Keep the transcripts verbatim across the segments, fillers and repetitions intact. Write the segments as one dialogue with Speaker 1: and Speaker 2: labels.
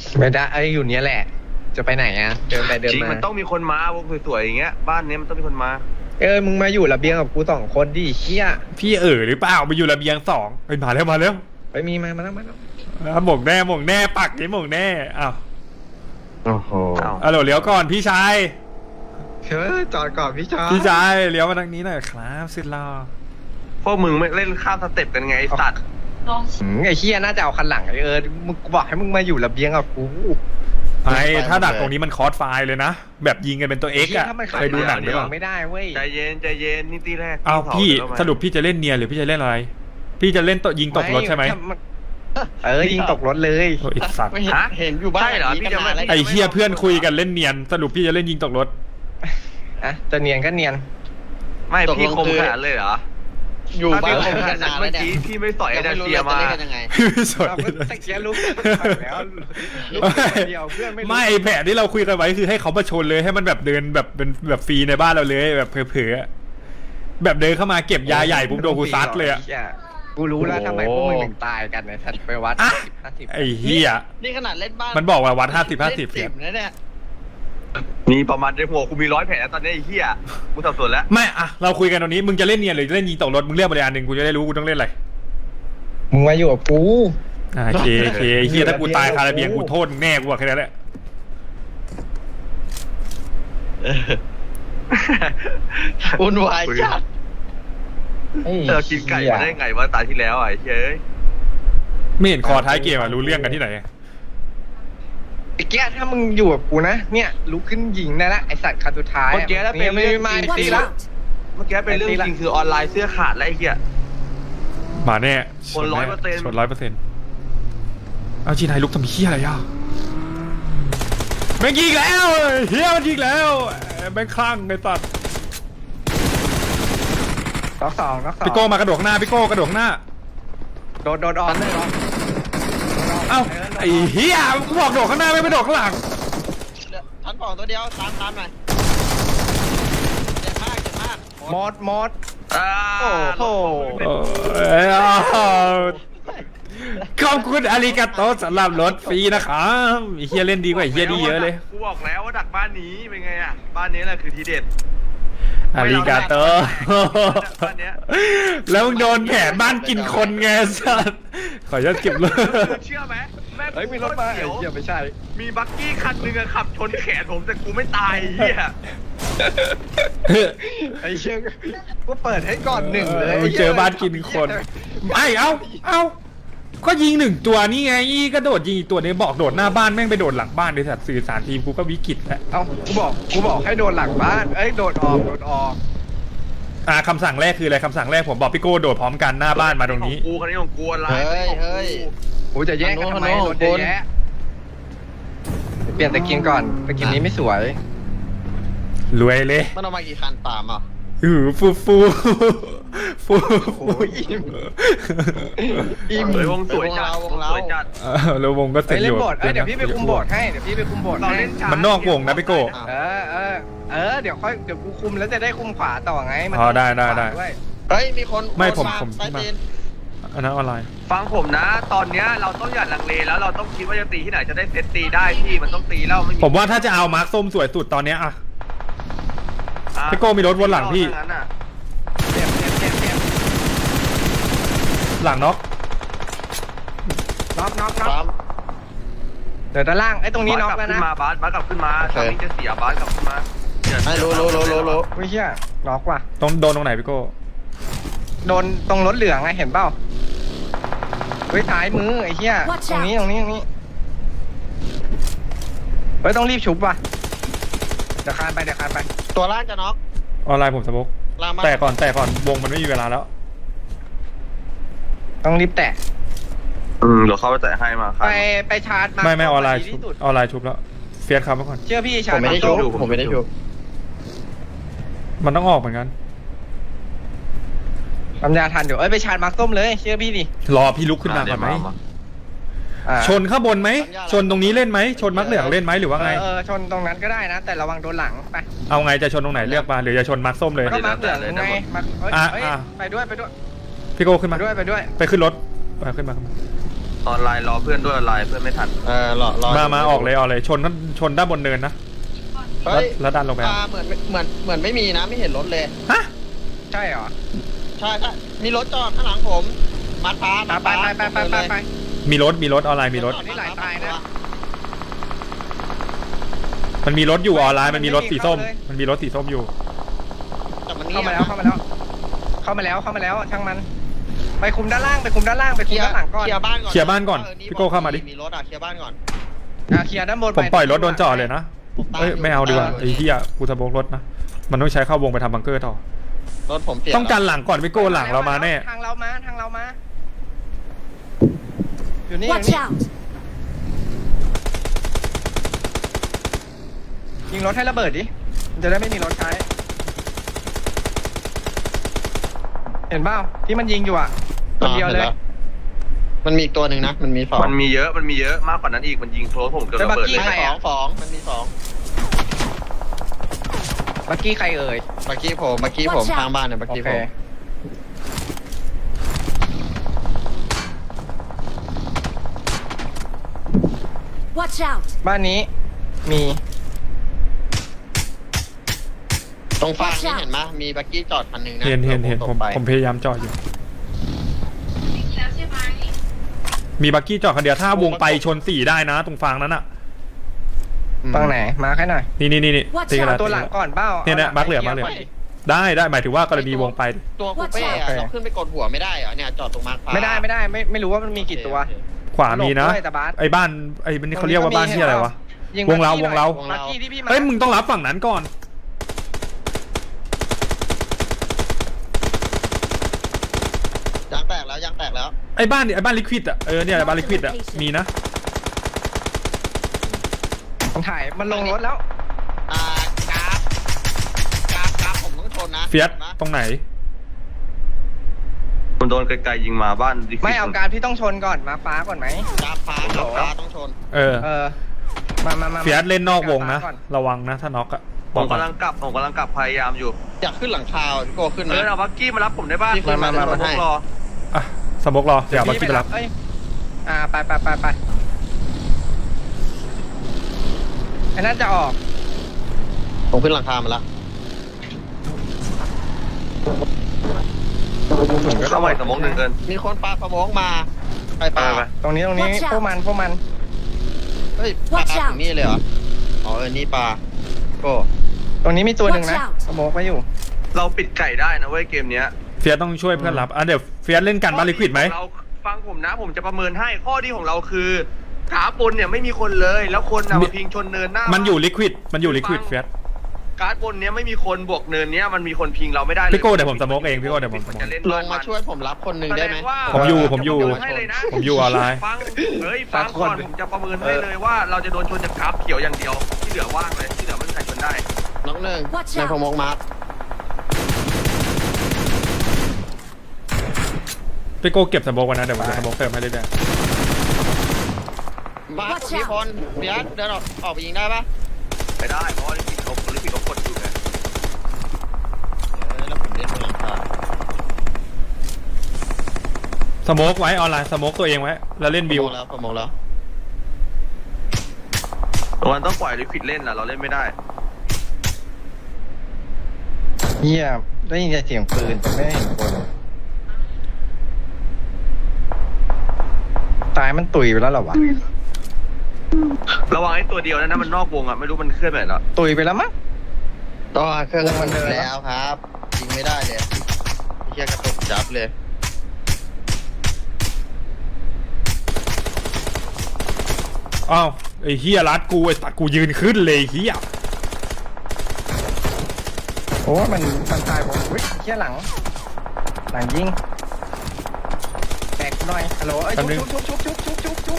Speaker 1: ไม่ได้ไอ้อยู่เนี้ยแหละจะไปไหนอ่ะเดินไปเดิน
Speaker 2: จริง
Speaker 1: มา
Speaker 2: มันต้องมีคนมาพวกสวยๆอย่างเงี้ยบ้านนี้มันต้องมีคนมา
Speaker 1: เออมึงมาอยู่ระเบียงกับกูสองคนดิเชี่ย
Speaker 3: พี่เอ๋อหรือเปล่ามาอยู่ระเบียงสองไปมาแล้วมาแล้ว
Speaker 1: ไปมีมามาแล้วมาแล้ว
Speaker 3: อ่ะหม่งแน่หม่งแน่ปักนี้หม่งแน่อ้าว
Speaker 1: โอ้โห
Speaker 3: อ่ะเดี๋ยวเลี้ยวก่อนพี่ชาย
Speaker 1: เชิญจอดก่อนพี่ชาย
Speaker 3: พี่ชายเลี้ยวมาทางนี้หน่อยครับสุดหล่อ
Speaker 2: พวกมึงไม่เล่นข้ามสเต็ปกันไงไอ้สัตว์
Speaker 1: หืมไอ้เชี่ยน่าจะเอาคันหลังไอ้เออมึงกูบอกให้มึงมาอยู่ระเบียงกับกู
Speaker 3: ไอ้ถ้าดักตรงนี้มันคอร์สไฟล์เลยนะแบบยิงกันเป็นตัวเอ็กซ์อะ
Speaker 1: ถ้ามัน
Speaker 3: เคยดูหนังหรือเปล่า
Speaker 1: ไม่ได้เว้ย
Speaker 2: ใจเย็นใจเย็นนี่ตีแรก
Speaker 3: อ้าว
Speaker 2: ตีสง
Speaker 3: พี่
Speaker 2: แล้วมา
Speaker 3: สรุปพี่จะเล่นเนียนหรือพี่จะเล่นอะไร พี่จะเล่นตยิงตกรถใช่ไหม
Speaker 1: เออยิงตกรถเลย
Speaker 3: โอ้ยไอ้สัตว์
Speaker 4: ไม่เห็นเห็นอยู่บ้าน
Speaker 2: ใช่เหรอพี่จะไม่
Speaker 3: ไอ้เฮียเพื่อนคุยกันเล่นเนียนสรุปพี่จะเล่นยิงตกรถ
Speaker 1: อ่ะจะเนียนก็เนียน
Speaker 2: ไม่พี่คมขนาดเลยเหรอ
Speaker 4: อยู่
Speaker 2: ถ้า
Speaker 4: บ้า
Speaker 2: พี่
Speaker 4: น
Speaker 2: คมขนาดนั้นเมื่อกี้พี่ไม่สอยไอ้ดันเซียมา
Speaker 4: ยังไง
Speaker 3: ไม่สน
Speaker 1: เราก็ตะเกียลุกแล้วลุกเดียวเพื่อนไม่
Speaker 3: ไม่แผนที่เราคุยกันไว้คือให้เขามาชนเลยให้มันแบบเดินแบบเป็นแบบฟรีในบ้านเราเลยแบบเผลอๆแบบเดินเข้ามาเก็บยาใหญ่ปุ๊บโดนกูซัดเลยอะ
Speaker 1: กูรู้แล้วทำไมพวกมึงถึงตายกันเนี่ยสัตว์ไปวัด
Speaker 3: อ่ะ
Speaker 1: ห้าสิบ
Speaker 3: ไอ้เฮีย
Speaker 4: นี่ขนาดเล่นบ้าน
Speaker 3: มันบอกว่าวัดห้าสิบห้าสิบ
Speaker 4: เล่นนะเนี่ย
Speaker 2: มีประมาณในหัวกูมีร้อยแผลแล้วตอนนี้ไอ้เหี้ยกูสับสนแล้ว
Speaker 3: ไม่อะเราคุยกันตรงนี้มึงจะเล่นเนียนหรือจะเล่นยิงตกรถมึงเลือกมาเลยอันหนึ่งกูจะได้รู้กูต้องเล่นอะไร
Speaker 1: มึงมาอยู่กับกู
Speaker 3: อ่าโอเคโอเคไอ้เฮียถ้ากูตายคาราเบียงกูโทษมึงแน่กูบอกแค่นั้นแหละ
Speaker 4: วุ่นวายจัด
Speaker 2: เออกินไก่มาได้ไงวะตายที่แล้วอ่ะไอ้เหี้ยเอ้ย
Speaker 3: ไม่เห็นคอท้ายเกมอะรู้เรื่องกันที่ไหนอะ
Speaker 1: ไอ้แก้ถ้ามึงอยู่กับกูนะเนี่ยลุกขึ้นยิงได้ละไอสัตว์คันสุดท้าย
Speaker 2: เมื่อกี้แล้วเป็น
Speaker 1: ไม่
Speaker 2: เรื่อง
Speaker 1: ไม่
Speaker 2: จริง
Speaker 1: ตีละ
Speaker 2: เมื่อกี้เป็นเรื่องจริงคือออนไลน์เสื้อขาดแล้วไอ้เหี้ย
Speaker 3: มาแน่
Speaker 2: คน ร้อยเปอร์เซ็นต์
Speaker 3: ชนร้อยเปอร์เซ็นต์เอาจีนายลุกทำเฮียอะไรอ่ะแม่งยิงแล้วเฮียมันยิงแล้วแม่งคลั่งในตัด
Speaker 1: ล็อกสองล็อกสอง
Speaker 3: พี่โก้มากระโดดข้างหน้าพี่โก้กระโดดข้างหน้า
Speaker 1: โดดโดดออนเลย
Speaker 3: เอ้าไอ้เฮียกูบอกโดดข้างหน้าไม่ไปโดดข้างหลัง
Speaker 4: ชั้นสองตัวเดียวตามตามหน่อยเจ็บมากเจ็บมาก
Speaker 1: มอดมอด
Speaker 2: อ่า
Speaker 1: โอ้โห
Speaker 3: เอ้ยอ้าวขอบคุณอาริกาโตสำหรับรถฟรีนะครับไอ้เฮียเล่นดีกว่าไอ้เฮียดีเยอะเลย
Speaker 2: กูบอกแล้วว่าดักบ้านนี้เป็นไงอ่ะบ้านนี้แหละคือทีเด็ด
Speaker 3: อาริกาโต
Speaker 2: บ้านเนี้ย
Speaker 3: แล้วมึงโดนแผนบ้านกินคนไงสัสขออนุญาตเก็บเลย
Speaker 2: เชื่อไหมแม่ง
Speaker 1: เฮ้ยมีรถมา
Speaker 2: เขี
Speaker 1: ไอ้
Speaker 2: ยว
Speaker 1: เหี้ยไม่ใช่
Speaker 2: มีบักกี้คันหนึงอะขับชนแขนผมแต่กูไม่ตายไอ้เหี้ย
Speaker 1: ไอ้เชี่ยกูเปิดให้ก่อนหนึ่งเลย
Speaker 3: มึงเจอบ้านกินคนไอ้เอ้าเอ้าก็ยิงหนึ่งตัวนี่ไงก็โดดยิงอีกตัวนี้บอกโดดหน้าบ้านแม่งไปโดดหลังบ้านในสัตว์สื่อสารทีมกูก็วิกฤตแล้ว
Speaker 1: เอ้ากูบอกกูบอกให้โดนหลังบ้านเอ้ยโดดออกโดดออก
Speaker 3: อ่าคำสั่งแรกคืออะไรคำสั่งแรกผมบอกพี่โก้โดดพร้อมกันหน้าบ้านมาตรงนี้
Speaker 2: ของกูคันนี้ของกูอะไร
Speaker 4: เฮ้ยเฮ้ย
Speaker 1: กูจะแย่งกันทำไม
Speaker 4: โน่น
Speaker 1: รถ
Speaker 4: โน่น
Speaker 1: เยอะแยะเปลี่ยนตะกินก่อนตะกินนี้ไม่สวย
Speaker 3: รวยเลย
Speaker 4: มันเอามากี่คันตามอ่ะ
Speaker 3: หือฟูฟูฟู
Speaker 1: โอ้ยอิ่มอิ่ม
Speaker 2: เฮ้ยวงสวยจัด
Speaker 4: วงเรา
Speaker 2: สวยจัด
Speaker 3: เออแล้ววงก็เสร็
Speaker 1: เฮ้
Speaker 3: จ
Speaker 1: ย
Speaker 3: อ
Speaker 1: เล่น
Speaker 3: ยู่
Speaker 1: โบสถ์เอ้ยเดี๋ยวพี่ไปคุมโบสถ์ให้เดี๋ยวพี่ไปคุมโบสถ์
Speaker 2: เรา
Speaker 1: ให้
Speaker 2: เล่นช้า
Speaker 3: มันนอกวงนะพี่โก้
Speaker 1: เออเออเออเดี๋ยวค่อยเดี๋ยวกูคุมแล้วจะได้คุมขวาต่อไงมัน
Speaker 3: อ๋อได้ได้ได้
Speaker 1: วย
Speaker 4: เฮ้ยมีคน
Speaker 3: ไม่ผม
Speaker 4: โดา
Speaker 3: ผม
Speaker 4: ใต้
Speaker 3: มา
Speaker 4: ตีน
Speaker 3: อันนั้นออนไลน์
Speaker 2: ฟังผมนะ ตอนเนี้ยเราต้องอย่าลังเลแล้วเราต้องคิดว่าจะตีที่ไหนจะได้เซตตีได้พี่มันต้องตีแล้วไม่มี
Speaker 3: ผมว่าถ้าจะเอามาร์คส้มสวยสุดตอนเนี้ยอะ
Speaker 2: อ่ะ
Speaker 3: พี่โก้มีรถวนหลังพี่
Speaker 2: ถ้างั้นน่ะ
Speaker 1: เจ็บเจ็บเจ็บเจ็บ
Speaker 3: หลังน็อก
Speaker 1: น็อกน็อกน็อก
Speaker 4: ตาม
Speaker 1: เดี๋ยวด้านล่างไอ้ตรงนี้น็อก
Speaker 2: บาสกลั
Speaker 1: แล้ว
Speaker 2: บขึ้
Speaker 1: นะ
Speaker 2: นมาบาสบาสกลับขึ้นมาตอนนี้จะเสียบาสกลับขึ้นมาเดี๋ยว
Speaker 4: ให้รู้รู้รู้รู้รู้
Speaker 1: อุ้ยเชี่ยน็อกว่ะ
Speaker 3: ตรงโดนตรงไหนพี่โก้
Speaker 1: โดนตรงรถเหลืองไงเห็นเปล่าเฮ้ยท้ายมือไอ้เชี่ย
Speaker 5: Watch
Speaker 1: ตรงนี้ตรงนี้ตรงนี้เฮ้ยต้องรีบชุบว่ะเดี๋ยวคานไปเดี๋ยวคานไป
Speaker 4: ตัวล่างจะน็อก
Speaker 3: ออนไลน์ผมสะบก
Speaker 4: ล่างมา
Speaker 3: แต่ก่อนแต่ก่อนวงมันไม่มีเวลาแล้ว
Speaker 1: ต้องรีบแตะ
Speaker 2: อืมเดี๋ยวเขาไปแตะให้มาครั
Speaker 1: ไป
Speaker 2: บ
Speaker 1: ไปชาร์จมา
Speaker 3: ไม่ไม่ออนไลน์
Speaker 1: ดี
Speaker 3: ชุบ
Speaker 1: ที่สุด
Speaker 3: ออนไลน์ชุบแล้วเฟียสครับเมื่อก่อน
Speaker 1: เชื่อพี่
Speaker 4: ผ
Speaker 1: ชาร์
Speaker 4: ม
Speaker 1: จ
Speaker 4: ไม่ได้
Speaker 1: า
Speaker 4: ชุ
Speaker 1: ส้
Speaker 4: บผมไม่ได้ชุบ
Speaker 3: มันต้องออกเหมือนกัน
Speaker 1: ปัญญาทันเดี๋ยวเอ้ยไปชาร์จมาร์คส้มเลยเชื่อพี่ดิ
Speaker 3: รอพี่ลุกขึ้นมาก่อนไหม
Speaker 1: อ่า
Speaker 3: ชนข้างบนไหมชนตรงนี้เล่นไหมชนมักเหลืองเล่นไหมหรือว่า
Speaker 1: เอ
Speaker 3: ไง
Speaker 1: อเออชนตรงนั้นก็ได้นะ แต่ระวังโดนหลังไป
Speaker 3: เอาไงจะชนตรงไหนเลือกมาหรือจะชนมักส้มเลย
Speaker 1: ก็มาร์คเหลืองไงมาร์คเอ้ย
Speaker 3: อ่ะ
Speaker 1: เอ้ย
Speaker 3: อ่ะ
Speaker 1: ไปด้วยไปด้วย
Speaker 3: พี่โก้ขึ้น
Speaker 1: ไป
Speaker 3: มา
Speaker 1: ด้วยไปด้วย
Speaker 3: ไปขึ้นรถไปขึ้นมาขึ้นมา
Speaker 2: ออนไลน์รอเพื่อนด้วยออนไลน์เพื่อนไม่ทัน
Speaker 4: เออรอรอ
Speaker 3: มามาออกเลยออกเลยชนชนด้านบนเนินนะ
Speaker 4: เฮ้ย
Speaker 3: แล้วดันลงไป
Speaker 4: อ่าเหมือนเหมือนเหมือนไม่มีนะไม่เห็นรถเลย
Speaker 3: ฮะ
Speaker 1: ใช่เหรอ
Speaker 4: ใช่ใช่มีรถจอดข้างหลังผมมัดฟ้า
Speaker 1: ไปไปไปไปไปไปไป
Speaker 3: มีรถมีรถออนไลน์มีรถ
Speaker 1: นี่หลายตายนะ
Speaker 3: มันมีรถอยู่ออนไลน์มันมีรถสีส้ม
Speaker 1: เข้าเลย
Speaker 3: มันมีรถสีส้มอยู่
Speaker 4: แต่มันนี่
Speaker 1: เข้ามาแล้วเข้ามาแล้ว เข้ามาแล้วเข้ามาแล้วช่างมัน ไปคุมด้านล่างไปคุมด้านล่างไป
Speaker 4: เค
Speaker 1: คุ
Speaker 4: ลี
Speaker 1: ม
Speaker 4: ยร์
Speaker 1: ด้านหลังก่อน
Speaker 4: เคลียร์บ้านก่อน
Speaker 3: เคลียร์บ้านก่อน
Speaker 4: เนี่
Speaker 3: พี่โก้เข้ามาดิ
Speaker 4: มีรถอ่ะเคลียร์บ้านก่อน
Speaker 1: อ่ะเคลียร์ด้านบน
Speaker 3: ผมปล่อยรถโดนจ่อเลยนะ
Speaker 4: ผมตาม
Speaker 3: เอ้ยไม่เอาดีกว่า
Speaker 4: ยู่
Speaker 3: ไอ้เหี้ยกูสะโบกรถนะมันต้องใช้เข้าวงไปทำบังเกอร์ต่อ
Speaker 4: รถผมเปลี่ยน
Speaker 3: ต้องกันหลังก่อนพี่โก้หลังเรามาแน่
Speaker 1: ทางเรามาทางเรามาอยู่นี่อยู่
Speaker 5: Watch
Speaker 1: นี่
Speaker 5: out!
Speaker 1: ยิงรถให้ระเบิดดิมันจะได้ไม่มีรถใช้ เห็นเปล่าที่มันยิงอยู่อ่ะตัวเดียวเลย
Speaker 4: ห็นแวมันมีอีกตัวหนึ่งนะมันมีสอง
Speaker 2: มันมีเยอะมันมีเยอะมากกว่านั้นอีกมันยิงโคลผมเกือบระเบิดเลย
Speaker 4: ใช่สองสองมันมีสอง
Speaker 1: บักกี้ใครเอ่ย
Speaker 4: เมื่อกี้ผมเมื่อกี้ผม
Speaker 5: Watch out
Speaker 4: ข้างบ้านเนี่ยเมื่อ
Speaker 1: โอ
Speaker 4: กี้
Speaker 1: เค
Speaker 4: ผม
Speaker 5: Watch out!
Speaker 1: บ้านนี้มี
Speaker 4: ตรงฝั่ง
Speaker 5: Watch
Speaker 4: นี้
Speaker 5: out
Speaker 4: เห็นไหมมีบักกี้จอดคันหนึ่งนะ
Speaker 3: เห็นเห็นเห็น
Speaker 4: ต
Speaker 3: ผ
Speaker 4: ก
Speaker 3: ม
Speaker 4: ไป
Speaker 3: ผมพยายามจอดอยู่ มีบักกี้จอดคันเดียวถ้าวงไปชนสี่ได้นะ ตรงฟางนั้นอ่ะ
Speaker 1: ตรงไหนมาแค่หน่อย
Speaker 3: นี่นี่นี่นี่
Speaker 5: Watch
Speaker 3: ตีกัน
Speaker 5: out
Speaker 3: แล้ว
Speaker 1: ตัวหลังก่อนเป้า
Speaker 3: เนี่ยเนี่ยบักเหลือบักเหลือได้ได้หมายถึงว่ากรณีวงไป
Speaker 4: ตัวคูเป้อะเราขึ้นไปกดหัวไม่ได้เหรอเนี่ยจอดตรงมาร์คฟ้า
Speaker 1: ไม่ได้ไม่ได้ไม่ไม่รู้ว่ามันมีกี่ตัว
Speaker 4: โอเค
Speaker 3: ขวามีนะ
Speaker 1: หลบด้วยแต่บาส
Speaker 3: ไอ้บ้านไอ้นี่เขาเรียกว่าบ้านที่อะไรวะ
Speaker 1: ยิง
Speaker 3: วงเรา
Speaker 1: บัคกี้
Speaker 3: วงเรา
Speaker 1: หน่อยบักกี้ที่พี่มา
Speaker 3: เฮ้ยมึงต้องรับฝั่งนั้นก่อน
Speaker 4: ยางแตกแล้วยางแตกแล้ว
Speaker 3: ไอ้บ้านเนี่ยไอ้บ้านลิควิดอ่ะเออเนี่ยบ้านลิควิดอ่ะมีนะ
Speaker 1: มันถ่ายมันลงรถแล้ว
Speaker 4: อ่ากราฟกราฟกราฟผมต้องชนนะ
Speaker 3: เฟียส
Speaker 4: ห็นไหม
Speaker 3: ตรงไหน
Speaker 2: ผมโดนไกลๆยิงมาบ้านดิ
Speaker 1: ไม่เอาการพี่ต้องชนก่อนมาฟ้าก่อนไหม
Speaker 4: กราฟฟ้ากราฟฟ้าต้องชน
Speaker 3: เออ
Speaker 1: เออมามามา
Speaker 3: เฟียสเล่นนอกวงนะ
Speaker 1: ฟ้าก่อ
Speaker 3: ระวังนะถ้าน็อกอ่ะ
Speaker 2: ผมกำลังกลับผมกำลังกลับพยายามอยู่
Speaker 4: อยากขึ้นหลังคาพี่โก้ขึ้น
Speaker 2: เอ
Speaker 4: นะ
Speaker 2: อเอาบักกี้มารับผมได้ป่ะ
Speaker 4: พี่ขึ้นมา
Speaker 2: มา
Speaker 4: มา
Speaker 2: มา
Speaker 4: ให้
Speaker 2: รอ
Speaker 3: อ่ะสมบกรอเดี๋ยวเอาบักกี้ไปรับ
Speaker 1: เอ้ยอ่าไปไปไปไปไอ้นั่นจะออก
Speaker 4: ผมขึ้นหลังคามาแล้ว
Speaker 2: เข้าใหม่สมองหนึ่งเกิน
Speaker 4: มีคนปาสมองมาไปปา
Speaker 2: ไปไป
Speaker 1: ตรงนี้ตรงนี้
Speaker 5: Watch out
Speaker 1: พวกมันพวกมัน
Speaker 4: เฮ้ยปา
Speaker 5: Watch
Speaker 4: ถึ
Speaker 5: out
Speaker 4: งนี่เลยเหรออ๋อเออนี่ปาโก้
Speaker 1: ตรงนี้มีตัวหนึ่งนะ
Speaker 5: Watch out
Speaker 1: สโมกไว้อยู่
Speaker 2: เราปิดไก่ได้นะเว้ยเกมเนี้ย
Speaker 3: เฟียสต้องช่วยเพื่อนรับอ่ะเดี๋ยวเฟียสเล่นกันบ้านลิควิดไหม
Speaker 2: เราฟังผมนะผมจะประเมินให้ข้อดีของเราคือกราฟบนเนี่ยไม่มีคนเลยแล้วคนน่ะมาพิงชนเนินหน้า
Speaker 3: มั
Speaker 2: มัน
Speaker 3: อยู่ลิควิดมันอยู่ลิควิดเฟียส
Speaker 2: การ์ดบนเนี้ยไม่มีคนบวกเนินเนี้ยมันมีคนพิงเราไม่ได้เลย
Speaker 3: พี่โก้เดี๋ยวผมสโมกเองพี่โก้เดี๋ยวผมสโมก
Speaker 2: จะเล่น
Speaker 4: ลงมาช่วยผมรับคนหนึ่งได้ไหม
Speaker 2: แสดงว่า
Speaker 3: ผมอยู่ผมอยู่
Speaker 2: ให้เลยนะ
Speaker 3: ผมอยู่ออนไลน์
Speaker 2: ฟังเฮ้ยฟังก่อนผมจะประเมินให้เลยว่าเราจะโดนชนจากกราฟเขียวอย่างเดียวที่เหลือว่างเลยที่เหลือไม่มีใครชนได้
Speaker 4: น้องหนึ่ง
Speaker 5: Watch
Speaker 4: ใน
Speaker 5: out
Speaker 4: พมกมาร์ค
Speaker 3: พี่โก้เก็บสโมกไว้นะเดี๋ยวผมจะสโมกเติมให้เรื่อย
Speaker 4: มาร์ค
Speaker 5: Watch
Speaker 4: มี
Speaker 5: out
Speaker 4: คนเบียสเดินออกออกไปยิงได้ปะ
Speaker 2: ไม่ได้เพราะว่าลิปิกเขาลิปิกเขากดอยู่ไง
Speaker 4: เออแล้วผมเล่นบนหลังคา
Speaker 3: ๆสโมกไว้ออนไลน์สโมกตัวเองไว้แล้วเล่นวิว
Speaker 4: พมกแล้วพมกแล้ว
Speaker 2: มันต้องปล่อยลิปิกเล่นล่ะเราเล่นไม่ได้
Speaker 1: เฮียได้ยินแต่เสียงปืนแต่ไม่ได้เห็นคนตายมันตุยไปแล้วเหรอวะ
Speaker 2: ระวังไอ้ตัวเดียวนะนะมันนอกวงอ่ะไม่รู้มันเคลื่อนไปไหนแล้ว
Speaker 1: ตุยไปแล้วมั้ง
Speaker 4: ต่อเครื่อง
Speaker 1: มันเดิน
Speaker 4: แล้วครับยิงไม่ได้เลยเฮียกระตุกจับเลย
Speaker 3: อ้าวไอ้เฮียรัดกูไอ้ตัดกูยืนขึ้นเลยไอ้เฮีย
Speaker 1: โอ้มันมันตายผมอุ้ยเฮียหลัง หลังยิงแตกหน่อยฮัลโหลเอ้ยชุบชุบชุบชุบชุบชุบชุบ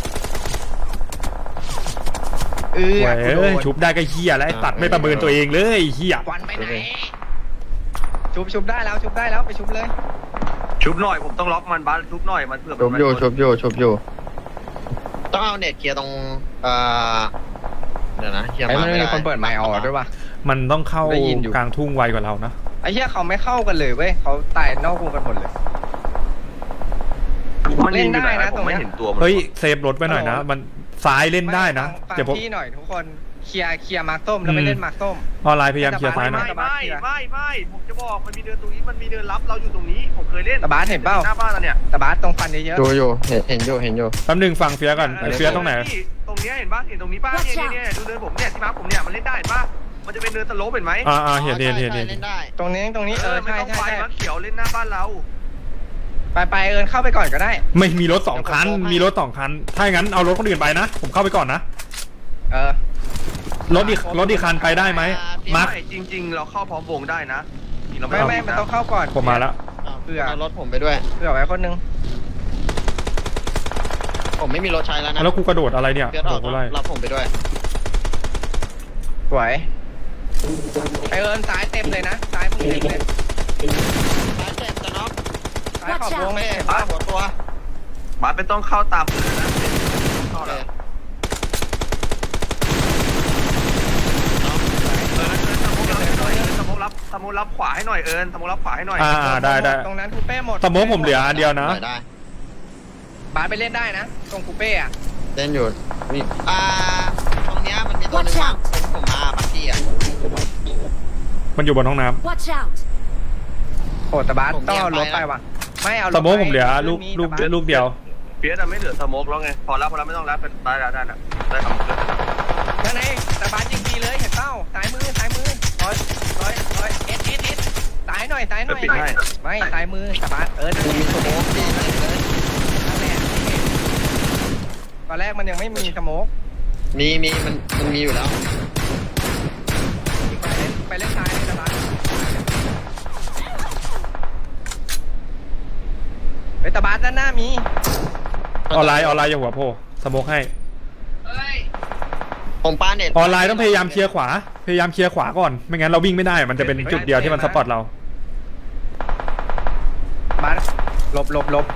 Speaker 1: เออ
Speaker 3: เว้
Speaker 1: กูโด
Speaker 3: ย
Speaker 1: น
Speaker 3: ชุบได้ก็เฮียแล้วไอ้ตัดไม่ประเมินตัวเองเลยไอ้เฮีย
Speaker 1: ควันไปไหนชุบชุบได้แล้วชุบได้แล้วไปชุบเลย
Speaker 2: ชุบหน่อยผมต้องล็อกมันบ้านชุบหน่อยมันเผื่อ
Speaker 4: ชุบ
Speaker 2: มัน
Speaker 4: อยู่
Speaker 2: โดน
Speaker 4: ชุบอยู่ชุบอยู่ต้องเอาเน็ตเคลียร์ตรงเอ่อเดี๋ยวนะเคลียร์
Speaker 1: ไอ้
Speaker 4: มา
Speaker 1: มัน
Speaker 4: ไม่
Speaker 1: มี
Speaker 4: ได้
Speaker 1: คนเปิดไมค์ออกด้วยป่ะ
Speaker 3: มันต้องเข้า
Speaker 1: ได้ยินอยู่
Speaker 3: กลางทุ่งไวกว่าเรานะ
Speaker 1: ไอ้เหี้ยเขาไม่เข้ากันเลยเว้ยเขาตายนอกวงกันหมดเลย
Speaker 2: มันยิงอยู่ไหนวะผมไม่เห็นตัวมัน
Speaker 3: เฮ้ยเซฟรถไปหน่อยนะ มันซ้ายเล่นได้นะ
Speaker 1: ฟัง
Speaker 3: เดี๋ยวผม
Speaker 1: พี่หน่อยทุกคนเคลียร์เคลียร์มาร์คส้มแล้วไม่เล่นมาร์คส้ม
Speaker 3: ออนไลน์พยายามเคลียร์ซ้ายหน่
Speaker 2: ไม่
Speaker 3: อย
Speaker 2: ไม่ไม่ไม่ผมจะบอกมันมีเดินตรงนี้มันมีเดินรับเราอยู่ตรงนี้ผมเคยเล่น
Speaker 1: ตะบาสเห็นเปล่า
Speaker 2: หน้าบ้านเราเนี่ย
Speaker 1: แต่บาสตรงฟันเยอะ
Speaker 4: ดูอยู่เห็นเห็นอยู่เห็นอยู่
Speaker 3: แป๊บนึงฟังเฟียก่อนไอ้เฟียตรงไหน
Speaker 2: ตรงเนี้ยเห็นป่ะเห็นตรงนี้ป่ะเนี่ยเนี่ยเนี่ยดูเดินผมเนี่ยที่มาร์คผมเนี่ยมันเล่นได้เห็นป่ะมันจะเป็นเดินสโลปเห็นไหม
Speaker 3: อ่าอ่าเห็นเห็นเห็น
Speaker 4: ใช่
Speaker 3: เห็น
Speaker 4: ใช่เล่นได้
Speaker 1: ๆตรงนี้ตรงนี้เอ
Speaker 2: เอ
Speaker 1: อ
Speaker 2: อไม่
Speaker 1: ใช่
Speaker 2: ต้อง
Speaker 1: ใช่
Speaker 2: ไป
Speaker 1: ใช่
Speaker 2: มาเขียวเล่นหน้าบ้านเรา
Speaker 1: ไปไปเอิญเข้าไปก่อนก็ได้
Speaker 3: ไม่มีรถสองคัน มีรถสองคัน ถ้าอย่างนั้นเอารถคนอื่นไปนะ ผมเข้าไปก่อนนะ
Speaker 1: เออ
Speaker 3: รถอีกรถอีกคันไปได้ไหมมาร์ค
Speaker 2: ไม่จริง ๆ เราเข้าพร้อมวงได้นะนี่เรา
Speaker 1: ไม่
Speaker 2: ไม่
Speaker 1: ไม่มันต้องเข้าก่อน
Speaker 3: ผมมาแล้ว
Speaker 4: อ้าว
Speaker 1: เผื่อ
Speaker 4: เอารถผมไปด้วย
Speaker 1: เผื่อไว้คนนึง
Speaker 4: ผมไม่มีรถใช้แล้วนะ
Speaker 3: แล้วกูกระโดดอะไรเนี่ย
Speaker 4: เดี๋ยว
Speaker 3: โด
Speaker 4: ออ
Speaker 3: ด
Speaker 4: ก
Speaker 3: กูไล่
Speaker 4: รับผมไปด้วย
Speaker 1: สวยไอเอิญซ้ายเต็มเลยนะซ้ายมึงเต็มเลย
Speaker 4: ซ้ายเจ็บจะน็อก
Speaker 1: ซ้ายขอบวง
Speaker 4: เป้
Speaker 1: ไม่เห็น
Speaker 4: บ้า
Speaker 1: ปะ
Speaker 4: หัวตัว
Speaker 2: บาสไม่ต้องเข้าตามเลยนะเข้า
Speaker 4: โอเค
Speaker 2: แล้วเออเออสมมติรับหน่อยสมมติรับสมมติรับขวาให้หน่อยเอิญสมมติรับขวาให้หน่อย
Speaker 3: อ่าอ่าได้ได้
Speaker 1: ตรงนั้นคูเป้หมด
Speaker 3: สมมติผมเหลืออันเดียวนะ
Speaker 4: ได้ได้
Speaker 1: บาสไปเล่นได้นะ ตรงคูเป้อะ
Speaker 4: เล่นอยู่นี่อ่าตรงเนี้ยมันมีตัวหนึง
Speaker 5: Watch
Speaker 4: ว่า
Speaker 5: out
Speaker 4: ผมผมมาบักกี้อ่ะ
Speaker 3: มันอยู่บนห้องน้ำ
Speaker 5: Watch out!
Speaker 1: โอ้แต่บาส
Speaker 4: ผม
Speaker 1: ต้องเอา
Speaker 4: เรี
Speaker 1: ร
Speaker 4: ย
Speaker 1: ถ
Speaker 4: กไป
Speaker 1: ไปว่ะไม่เอารถ
Speaker 3: สมมติผมเหลือ
Speaker 1: ไป
Speaker 3: ลูกลูก
Speaker 1: แต่บาส
Speaker 3: ลูกเดียว
Speaker 2: เปียสอะไม่เหลือสโมกแล้วไงพอแล้วพอแล้วไม่ต้องแล้วเป็นได้แล้วได้แล้วได้ทำเกิน
Speaker 1: นั่นเองแต่บาสยิงดีเลยเห็นเป้าซ้ายมือซ้ายมือร้อยร้อยร้อยเอ็ดเอ็ดเอ็ดซ้ายหน่อยซ้ายหน่อย
Speaker 2: ปิดให้
Speaker 1: ไม่ซ้ายมือแต่บาสเออนั่น
Speaker 4: กู
Speaker 1: แห
Speaker 4: มี
Speaker 1: ละ
Speaker 4: สโมกดีนะเลย
Speaker 1: นั่นแหละตอนแรกมันยังไม่มีสโมก
Speaker 4: มีมีมันมันมีอยู่แล้ว
Speaker 1: ไปเล่นซ้ายเลยแต่บาสเฮ้ยแต่บาสด้านหน้ามี
Speaker 3: ออนไลน์ออนไลน์อย่าหัวโผล่สโมกให้
Speaker 4: ผมปาเน็ต
Speaker 3: ออนไลน์ต้องพยายามเคลียร์ขวา พยายามเคลียร์ขวาก่อน ไม่งั้นเราวิ่งไม่ได้ มันจะเป็นจุดเดียวที่มันสปอตเรา
Speaker 1: บาสหลบหลบหลบ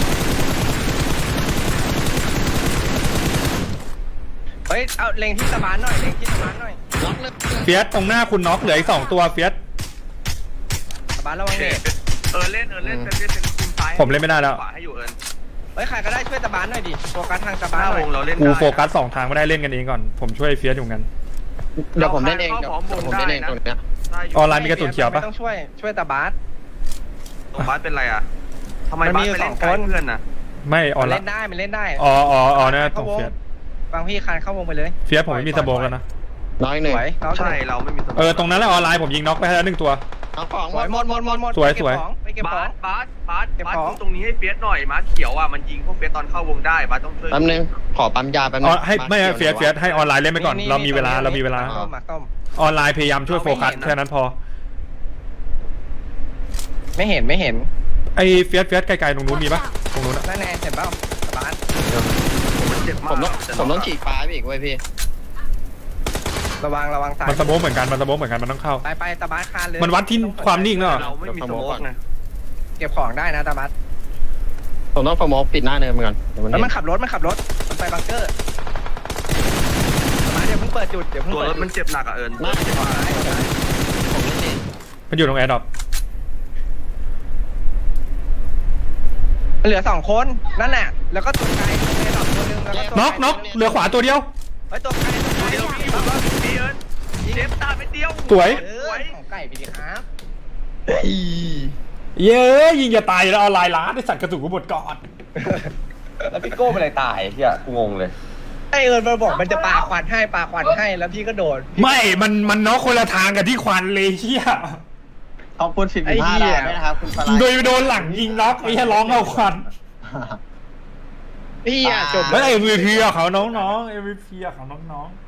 Speaker 1: เฮ้ยเอาเล็งที่ตะบานหน่อยเล็งที่ตะบานหน่อย
Speaker 4: ล็อกเลย
Speaker 3: เฟียสตรงหน้าคุณน็อกเหลืออีกสองตัวเฟียส
Speaker 1: ตะบานระวัง
Speaker 2: โอเค
Speaker 1: เน็ต
Speaker 2: เออเล่นเออเล่นเป็นเล่นเป็นทีมซ้าย
Speaker 3: ผมเล่นไม่ได้แล้ว
Speaker 2: ขวาให้อยู่เอิญ
Speaker 1: เฮ้ยใครก็ได้ช่วยตะบานหน่อยดิโฟกัสทางตะ
Speaker 2: ห
Speaker 1: บาน
Speaker 2: น้า
Speaker 1: หน่
Speaker 2: ว
Speaker 1: อย
Speaker 2: งเราเล่น
Speaker 3: กู
Speaker 2: ได้
Speaker 3: โฟกัสสองทางไม่ได้เล่นกันเองก่อน ผมช่วยเฟียสอยู่กัน
Speaker 4: เดี๋ยวผมเล่นเองเดี๋ยวผมเล่นเองตรงเนี้ย
Speaker 2: ได้อยู่
Speaker 3: ออนไลน์มีกระสุนเขียวปะ
Speaker 1: ไม่ต้องช่วยช่วยตะบาน
Speaker 2: ตรงบาสเป็นไรอ่ะทำไม
Speaker 1: มัน
Speaker 2: บา
Speaker 1: มี
Speaker 2: ส
Speaker 1: อยู่
Speaker 2: ไปเล่น
Speaker 1: สอง
Speaker 2: ไกล
Speaker 1: คน
Speaker 2: เพื่อนน่ะ
Speaker 3: ไม่ออ
Speaker 1: มัน น
Speaker 3: ไล
Speaker 1: เล่
Speaker 3: น์
Speaker 1: นได้มันเล่นได้
Speaker 3: อ๋ออ๋ออ๋อเนี่ยตรงเฟียส
Speaker 1: บางพี่คานเข้าวงไปเลย
Speaker 3: เฟียสผมไม่มีสโมกแล้วนะ
Speaker 4: น้อย
Speaker 1: ส
Speaker 4: หนึ่ง
Speaker 1: วยน้อง
Speaker 2: ใช่เราไม่มีสม
Speaker 3: เออตรงนั้นแหละออนไลน์ผมยิงน็อกไปแล้วหนึ่งตัว
Speaker 4: เอาของ
Speaker 1: สวยหมดหมดหมดหมด
Speaker 3: สวย
Speaker 1: ไปเก็บ
Speaker 3: สวย
Speaker 1: ของไปเก็บข
Speaker 2: บา
Speaker 1: อง
Speaker 2: สบาสบาส
Speaker 1: เก็บบ
Speaker 2: าส
Speaker 1: ของ
Speaker 2: ดูตรงนี้ให้เฟียสหน่อยมาเขียวอ่ะมันยิงพวกเฟียสตอนเข้าวงได้บาสต้องช่วย
Speaker 4: แป๊บนึงขอปั๊มยาแป๊บนึ
Speaker 3: อ๋อง ให้ไม่ให้เฟียสเฟียสให้ออนไลน์เล่นไปก่อน เรามีเวลาเรามีเวลา
Speaker 1: ต้มหมักต้ม
Speaker 3: ออนไลน์พยายามช่วยโฟกัสแค่นั้นพอ
Speaker 1: ไม่เห็นไม่เห็น
Speaker 3: ไอ้เฟียสเฟียสไกลๆตรงนู้นมีปะตรงนู้นอะ
Speaker 1: นั่นแน่เห็นเปล่าตะบาน
Speaker 2: ผมมันเจ็บมาก
Speaker 4: ผมต้องผมต้องฉีกฟ้าไปอีกเว้ยพี่
Speaker 1: ระวังระวังสาย
Speaker 3: มันสโมกเหมือนกันมันสโมกเหมือนกันมันต้องเข้า
Speaker 1: ไปไปตะบานคานเลย
Speaker 3: มันวัดที่ความนิ่งเนาะ
Speaker 2: เราไม่มีสโมกไง
Speaker 1: เก็บของได้นะตะบาน
Speaker 4: ผมต้องสโมกปิดหน้าเนินมันก่อนเดี๋ยวมัน
Speaker 1: แล้ว
Speaker 4: เห็
Speaker 1: มัน
Speaker 4: น
Speaker 1: ขับรถมันขับรถมันไปบังเกอร์ตะบานเดี๋ยวเพิ่งเปิดจุดเดี๋ยวเพิ่ง
Speaker 2: ตัว
Speaker 1: เปิ
Speaker 2: ร
Speaker 1: ด
Speaker 2: ถมันเจ็บหนักอ่ะเอิญ
Speaker 4: หน้าเจ็บ
Speaker 1: ซ้ายซ้าย
Speaker 4: ผมเล่นเอง
Speaker 3: มันอยู่ตรงแอร์ดรอป
Speaker 1: เหลือสองคนนั่นแหละแล้วก็ตัวไกลตัวไกลดอกตัวหนึงแล้วก็ตัว
Speaker 3: น็อกน็อกเหลือขวาตัวเดียว
Speaker 1: เฮ้ยตัวไกลตัว
Speaker 2: เดียว
Speaker 1: ไกล
Speaker 2: พี่ผมว่าพี่เอิญเจ็บตาไปเดียว
Speaker 3: สวย
Speaker 1: เออของไก่ไปดิครับ
Speaker 3: เย้ยยิงจะตายแล้วออนไลน์ล้าได้สั่งกระสุนกูหมดก่อน
Speaker 6: แล้วพี่โก้เป็นอะไรตายเฮียกูงงเลย
Speaker 1: ไอเอิญมาบอกมันจะปาควันให้ปาควันให้แล้วพี่ก็โดด
Speaker 3: ไม่มันมันน็อกคนละทางกับที่ควันเลยเชี่ย
Speaker 4: ขอบคุณสิบห้าดาวด้วยนะครับคุณปลา
Speaker 3: โดยโดนหลังยิงน็อกไอ้เหี้ยร้องเอาควัน
Speaker 1: พี่อะจบ
Speaker 3: แล้วเอ็มวีพีของเขาน้องๆเอ็มวีพีของน้องๆ